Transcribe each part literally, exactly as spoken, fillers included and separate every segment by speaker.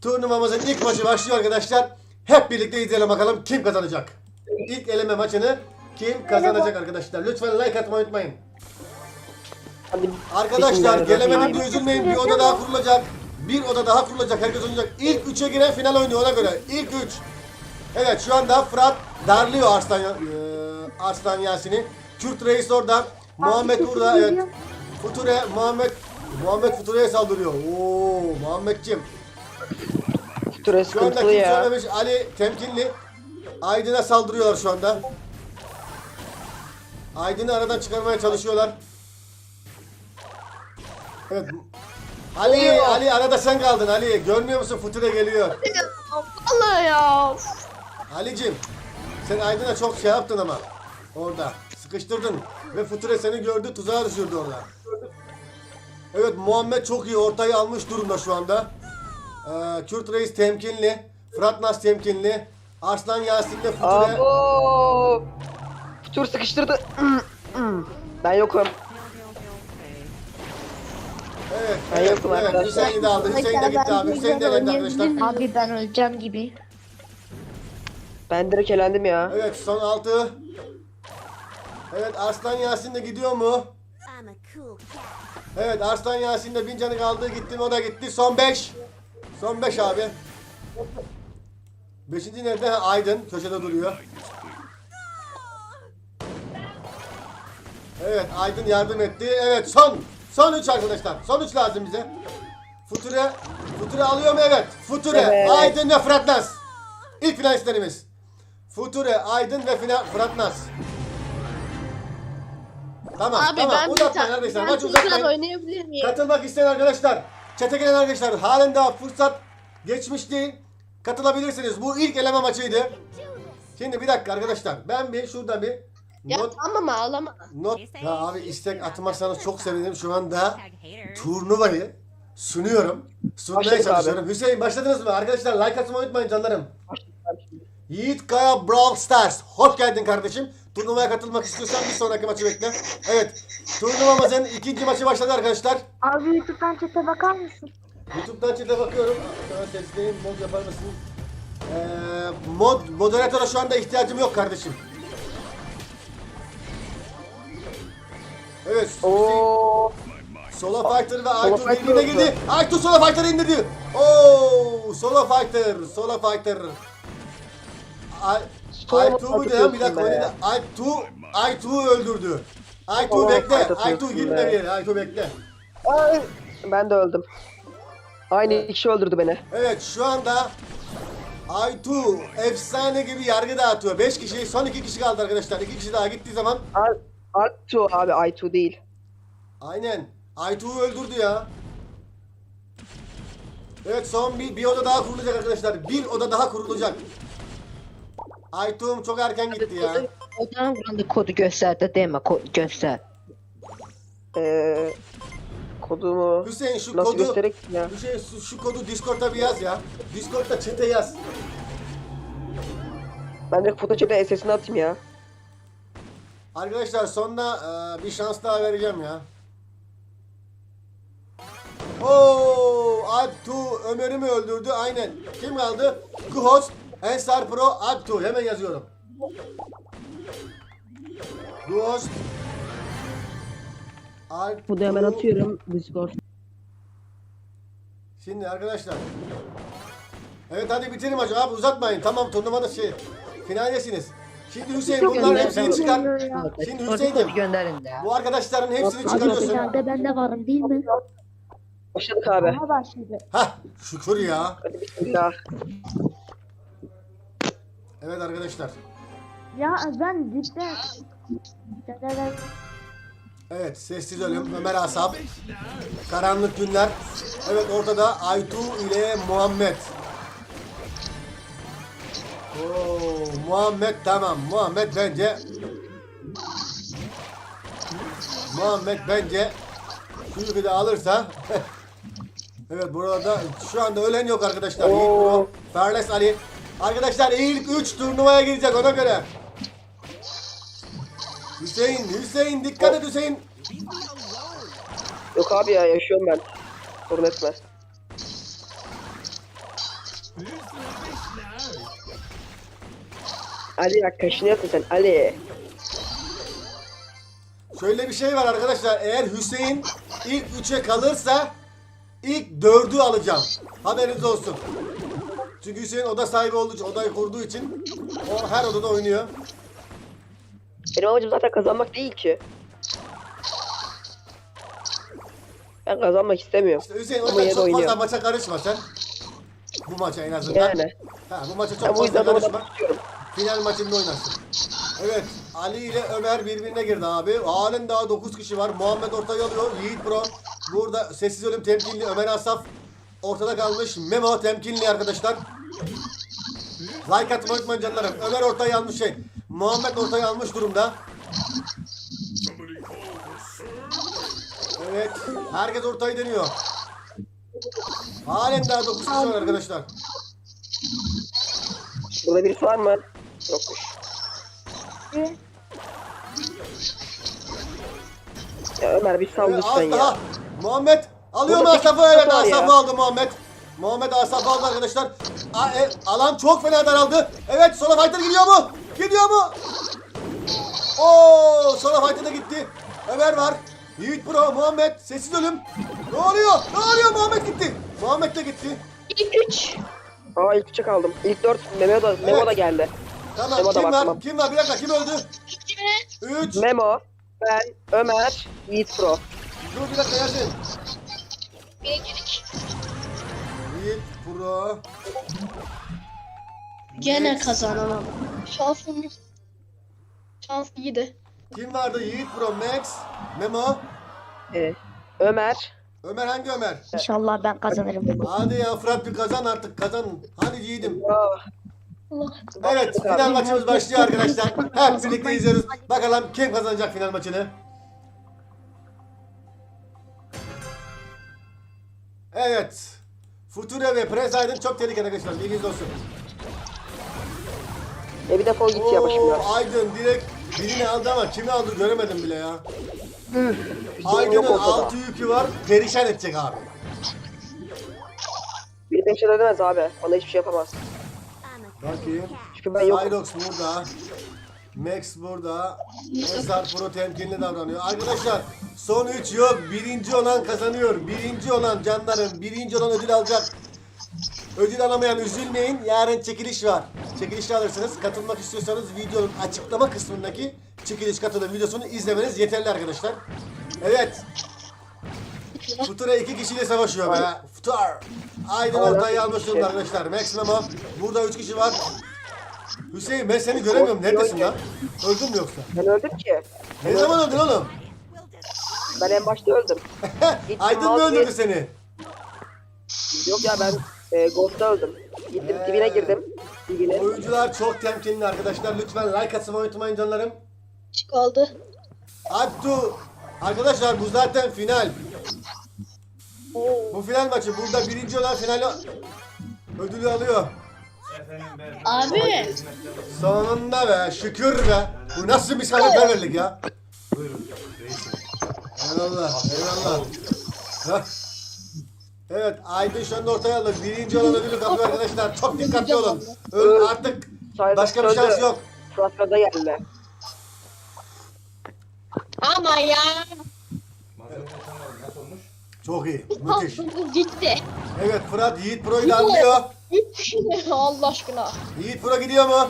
Speaker 1: Turnuvamızın ilk maçı başlıyor arkadaşlar. Hep birlikte izleyelim bakalım kim kazanacak. İlk eleme maçını kim kazanacak arkadaşlar. Lütfen like atmayı unutmayın. Arkadaşlar gelemedim diye üzülmeyin. Bir oda daha kurulacak. Bir oda daha kurulacak. Herkes oynayacak. İlk üçe giren final oynuyor ona göre. İlk üç. Evet şu anda Fırat darlıyor Arslan, e, Arslan Yasin'i. Kürt Reis oradan. Muhammed burada. Evet. Future Muhammed Muhammed Future'ye saldırıyor. Oo Muhammedciğim.
Speaker 2: Future
Speaker 1: Şu anda
Speaker 2: sıkıntılı
Speaker 1: kimse
Speaker 2: ya.
Speaker 1: ölmemiş. Ali temkinli. Aydın'a saldırıyorlar şu anda. Aydın'ı aradan çıkarmaya çalışıyorlar. Evet. Ali,
Speaker 2: Geliyor.
Speaker 1: Ali arada sen kaldın Ali. Görmüyor musun? Future geliyor.
Speaker 3: Vallahi ya.
Speaker 1: Ali'cim sen Aydın'a çok şey yaptın ama. Orada. Sıkıştırdın. Ve Future seni gördü. Tuzağa düşürdü orada. Evet Muhammed çok iyi. Ortayı almış durumda şu anda. Ee, Kürt Reis temkinli. Fırat Nas temkinli. Arslan Yasin'le Future.
Speaker 2: Abo. Future sıkıştırdı. Ben yokum.
Speaker 1: Evet.
Speaker 2: Ben
Speaker 1: Evet,
Speaker 2: yokum
Speaker 1: evet.
Speaker 2: arkadaşlar.
Speaker 1: Hüseyin de aldı. Hüseyin de gitti abi. Hüseyin de elendi arkadaşlar.
Speaker 3: Abi ben öleceğim gibi.
Speaker 2: Ben direkt elendim ya.
Speaker 1: Evet son altı. Evet Arslan Yasin de gidiyor mu?
Speaker 4: I'm a cool cat.
Speaker 1: Evet Arslan Yasin de bin canı kaldı. Gitti mi o da gitti. Son beş. Son beş abi. Beşinci nerede? Ha, Aydın. Köşede duruyor. Evet Aydın yardım etti. Evet son. Son üç arkadaşlar. Son üç lazım bize. Future. Future alıyor mu? Evet. Future.
Speaker 2: Evet.
Speaker 1: Aydın ve Fırat Naz. İlk finalistlerimiz. Future, Aydın ve final Fırat Naz. Tamam
Speaker 3: Abi
Speaker 1: tamam
Speaker 3: ben bir
Speaker 1: uzatmayın
Speaker 3: tane
Speaker 1: arkadaşlar.
Speaker 3: ben
Speaker 1: Maç
Speaker 3: tekrar
Speaker 1: uzatmayın.
Speaker 3: oynayabilir miyim?
Speaker 1: Katılmak isteyen arkadaşlar, çete gelen arkadaşlar halen daha fırsat geçmiş değil. Katılabilirsiniz. Bu ilk eleme maçıydı. Şimdi bir dakika arkadaşlar. Ben bir şurada bir
Speaker 3: Ya
Speaker 1: not
Speaker 3: tamam ağlama.
Speaker 1: not ya abi istek atmazsanız çok sevinirim. Şu anda turnuvayı sunuyorum. Sunmaya
Speaker 2: Başladık
Speaker 1: çalışıyorum. Hüseyin başladınız mı? Arkadaşlar like atmayı unutmayın canlarım. Yiğit Kaya Brawl Stars. Hoş geldin kardeşim. Turnuvaya katılmak istiyorsan bir sonraki maçı bekle. Evet. Turnuvamızın ikinci maçı başladı arkadaşlar.
Speaker 5: Abi YouTube'dan chat'e bakar mısın?
Speaker 1: YouTube'dan chat'e bakıyorum. Sana sesleyeyim. Mod yapar mısın? Ee, mod, moderatöre şu anda ihtiyacım yok kardeşim. Evet.
Speaker 2: Oo.
Speaker 1: Solo Fighter ve
Speaker 2: Solo
Speaker 1: Aytu
Speaker 2: Fighter
Speaker 1: birbirine
Speaker 2: oldu.
Speaker 1: girdi. Aytu Solo Fighter'ı indirdi. Oo, Solo Fighter. Solo Fighter. Ay,
Speaker 2: Solo
Speaker 1: Aytu muydu ya? Bir dakika
Speaker 2: atıyorsun be.
Speaker 1: oynadı. Aytu, Aytu'yu öldürdü. Aytu
Speaker 2: Solo
Speaker 1: bekle.
Speaker 2: Fighter
Speaker 1: Aytu
Speaker 2: atıyorsun
Speaker 1: gitme
Speaker 2: be.
Speaker 1: bir yere. Aytu bekle.
Speaker 2: Ay. Ben de öldüm. Aynı kişi öldürdü beni.
Speaker 1: Evet şu anda Aytu efsane gibi yargı dağıtıyor. beş kişi, son iki kişi kaldı arkadaşlar. iki kişi daha gittiği zaman
Speaker 2: Ar- Artu abi Aytu değil.
Speaker 1: aynen Aytu'yu öldürdü ya. Evet son bir, bir oda daha kurulacak arkadaşlar. Bir oda daha kurulacak. Aytu'm çok erken gitti ya.
Speaker 3: Odan buranın kodu gösterdi deme kodu göster.
Speaker 2: Ee, kodumu
Speaker 1: Hüseyin şu
Speaker 2: nasıl
Speaker 1: kodu
Speaker 2: göstererek ya?
Speaker 1: Hüseyin şu, şu kodu Discord'da bir yaz ya. Discord'da chat'e yaz.
Speaker 2: Ben de Photoshop'ta S S'ini atayım ya.
Speaker 1: Arkadaşlar sonunda e, bir şans daha vereceğim ya. Oo, Alptu Ömer'i mi öldürdü? Aynen. Kim kaldı? Ghost, Ensar Pro, Alptu. Hemen yazıyorum. Ghost, Alptu.
Speaker 6: Bu da hemen atıyorum Discord.
Speaker 1: Şimdi arkadaşlar. Evet hadi bitirin maçı abi uzatmayın. Tamam turnuvada şey finaldesiniz. Şimdi Hüseyin bunların hepsini çıkar. Şimdi Hüseyin'im
Speaker 3: Gönderin de.
Speaker 1: bu arkadaşların hepsini
Speaker 5: Abi
Speaker 1: çıkarıyorsun.
Speaker 5: finalde ben de varım değil mi?
Speaker 2: Başladık abi.
Speaker 5: Ama başladı.
Speaker 1: Hah şükür ya.
Speaker 2: Hadi bismillah.
Speaker 1: Evet arkadaşlar.
Speaker 5: Ya ben cidden... Cidden-
Speaker 1: Evet sessiz ölüm Ömer Asap. Karanlık günler. Evet ortada Aytu ile Muhammed. Oo, Muhammed tamam. Muhammed bence Muhammed bence şu yükü de alırsa evet burada şu anda ölen yok arkadaşlar.
Speaker 2: Oo.
Speaker 1: Ferles Ali. Arkadaşlar ilk üç turnuvaya girecek ona göre. Hüseyin, Hüseyin dikkat et Hüseyin.
Speaker 2: Yok abi ya yaşıyorum ben. Sorun etme. Ali bak kaşınıyorsun sen Ali.
Speaker 1: Şöyle bir şey var arkadaşlar. Eğer Hüseyin ilk üçe kalırsa ilk dördü alacağım. Haberiniz olsun. Çünkü Hüseyin oda sahibi olduğu için, odayı kurduğu için o her odada oynuyor.
Speaker 2: Benim amacım zaten kazanmak değil ki. Ben kazanmak istemiyorum.
Speaker 1: İşte Hüseyin o
Speaker 2: Ama
Speaker 1: yüzden
Speaker 2: yine de
Speaker 1: çok fazla
Speaker 2: oynuyor.
Speaker 1: maça karışma sen. Bu maça en azından.
Speaker 2: Yani.
Speaker 1: Ha, bu maça
Speaker 2: Ben
Speaker 1: çok
Speaker 2: bu
Speaker 1: fazla
Speaker 2: yüzden
Speaker 1: karışma.
Speaker 2: onu istiyorum.
Speaker 1: Final maçında oynarsın. Evet, Ali ile Ömer birbirine girdi abi. Halen daha dokuz kişi var. Muhammed ortaya alıyor. Yiğit Pro. Burada sessiz ölüm temkinli. Ömer Asaf ortada kalmış. Memo temkinli arkadaşlar. Like atmayı unutmayın canlarım. Ömer ortaya almış şey. Muhammed ortaya almış durumda. Evet. Herkes ortayı deniyor. Halen daha dokuz kişi var arkadaşlar.
Speaker 2: Burada birisi var mı? Yokmuş. Ya Ömer bir sal
Speaker 1: Evet,
Speaker 2: lütfen
Speaker 1: az daha.
Speaker 2: ya.
Speaker 1: Muhammed alıyor mu
Speaker 2: Burada
Speaker 1: Asaf'ı?
Speaker 2: sekiz
Speaker 1: Evet
Speaker 2: var ya.
Speaker 1: Asaf'ı aldı Muhammed. Muhammed Asaf'ı aldı arkadaşlar. A, e, alan çok fena daraldı. Evet Sola Fighter gidiyor mu? Gidiyor mu? Oo Sola Fighter da gitti. Ömer var. Yiğit Pro, Muhammed, sessiz ölüm. Ne oluyor? Ne oluyor? Muhammed gitti. Muhammed de gitti.
Speaker 3: İlk üç.
Speaker 2: Aa ilk üçe kaldım. İlk dört Memo da, Memo
Speaker 1: Evet.
Speaker 2: da geldi.
Speaker 1: Tamam
Speaker 2: Memo da
Speaker 1: kim
Speaker 2: bak,
Speaker 1: var?
Speaker 2: tamam.
Speaker 1: Kim var? Bir dakika kim öldü? Üç.
Speaker 2: Memo, ben, Ömer, Yiğit Pro.
Speaker 1: Dur bir dakika Yasin.
Speaker 3: Birincilik.
Speaker 1: Yiğit Pro.
Speaker 4: Gene
Speaker 1: Max.
Speaker 4: kazanamam. Şansım şans iyiydi.
Speaker 1: Kim vardı? Yiğit Pro, Max, Memo.
Speaker 2: Ee, Ömer.
Speaker 1: Ömer hangi Ömer?
Speaker 5: İnşallah ben kazanırım.
Speaker 1: Hadi ya Fırat bir kazan artık kazan. Hadi yiğidim.
Speaker 2: Aa,
Speaker 4: Allah.
Speaker 1: Evet final maçımız başlıyor arkadaşlar. Hep birlikte izliyoruz. Bakalım kim kazanacak final maçını. Evet. Future ve Prens Aydın çok tehlikeli arkadaşlar. Bilginiz olsun.
Speaker 2: e bir defol git ya başımdan.
Speaker 1: Oo, Aydın direkt birini aldı ama kimi aldı göremedim bile ya.
Speaker 2: Yok
Speaker 1: Aydın'ın
Speaker 2: ortada.
Speaker 1: altı yükü var. Perişan edecek abi.
Speaker 2: Bir beş edemez abi. Bana hiçbir şey yapamaz.
Speaker 1: Bakayım.
Speaker 2: Çünkü ben yokum.
Speaker 1: Cyrox burada. Max burada. Esar Pro temkinli davranıyor. Arkadaşlar son üç yok. Birinci olan kazanıyor. Birinci olan canlarım. Birinci olan ödül alacak. Ödül alamayan üzülmeyin. Yarın çekiliş var. Çekilişte alırsınız. Katılmak istiyorsanız videonun açıklama kısmındaki çekiliş katılım videosunu izlemeniz yeterli arkadaşlar. Evet. Futura iki kişiyle savaşıyor be. Futar. Aydın ortayı almış durumda arkadaşlar. Max Memo. Burada üç kişi var. Hüseyin ben seni göremiyorum. Neredesin lan? Öldün mü yoksa?
Speaker 2: Ben öldüm ki.
Speaker 1: Ne zaman öldün oğlum?
Speaker 2: Ben en başta öldüm. Gittim
Speaker 1: Aydın mı
Speaker 2: vazgeç-
Speaker 1: öldürdü seni?
Speaker 2: Yok ya ben e, Ghost'ta öldüm. Gittim
Speaker 1: Ee.
Speaker 2: dibine girdim. Dibine.
Speaker 1: Oyuncular çok temkinli arkadaşlar. Lütfen like atmayı unutmayın canlarım.
Speaker 4: Çık oldu.
Speaker 1: Abdu. Arkadaşlar bu zaten final. Bu final maçı. Burada birinci olan finali ödülü alıyor.
Speaker 4: Abi.
Speaker 1: Sonunda be. Şükür be. Bu nasıl misafirperverlik ya? Eyvallah. Eyvallah. Hah. Evet Aydın şu anda ortaya aldı. Birinci olan ödülü kapıyor arkadaşlar. Çok dikkatli olun. Öl artık.
Speaker 2: Cyrox
Speaker 1: Başka bir
Speaker 2: öldü.
Speaker 1: şans yok.
Speaker 2: Fırat gaza geldi.
Speaker 4: Ama ya.
Speaker 1: Çok iyi. Müthiş.
Speaker 4: Kalktım gitti.
Speaker 1: Evet Fırat Yiğit Pro'yu da alıyor.
Speaker 4: Üç. Allah aşkına.
Speaker 1: Yiğit Pro gidiyor mu?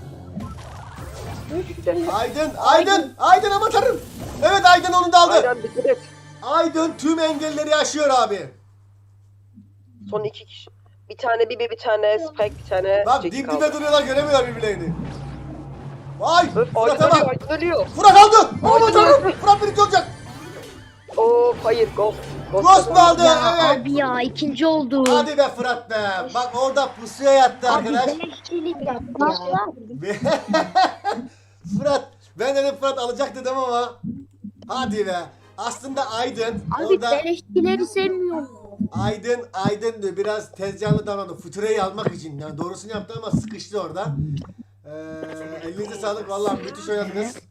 Speaker 2: Gitti.
Speaker 1: Aydın, Aydın, Aydın ama tanrım. Evet Aydın onu da aldı.
Speaker 2: Aynen dikkat et.
Speaker 1: Aydın tüm engelleri aşıyor abi.
Speaker 2: Son iki kişi. Bir tane Bibi, bir tane Spike, bir tane
Speaker 1: Bak
Speaker 2: Jackie
Speaker 1: dip
Speaker 2: kaldı.
Speaker 1: dibe duruyorlar göremiyorlar birbirlerini. Vay
Speaker 2: Öf,
Speaker 1: Fırat'a
Speaker 2: Aydın ölüyor,
Speaker 1: bak.
Speaker 2: Aydın ölüyor.
Speaker 1: Fırat aldı. Aman
Speaker 2: Aydın
Speaker 1: tanrım.
Speaker 2: öldü.
Speaker 1: Fırat birinci olacak.
Speaker 2: Oo hayır Ghost.
Speaker 1: Ghost mu aldı?
Speaker 5: Ya
Speaker 1: Evet.
Speaker 5: abi ya ikinci oldu.
Speaker 1: Hadi be Fırat be. Bak orada pusuya yattı
Speaker 5: Abi
Speaker 1: arkadaş.
Speaker 5: beleşçilik yaptı ya.
Speaker 1: Fırat. Ben dedim Fırat alacak dedim ama. Hadi be. Aslında Aydın
Speaker 5: Abi
Speaker 1: orada
Speaker 5: beleşçileri sevmiyorum.
Speaker 1: Aydın Aydın diyor biraz tezcanlı davrandı. Future'yi almak için. Yani doğrusunu yaptı ama sıkıştı orada. Ee, elinize sağlık. Vallahi müthiş oynadınız.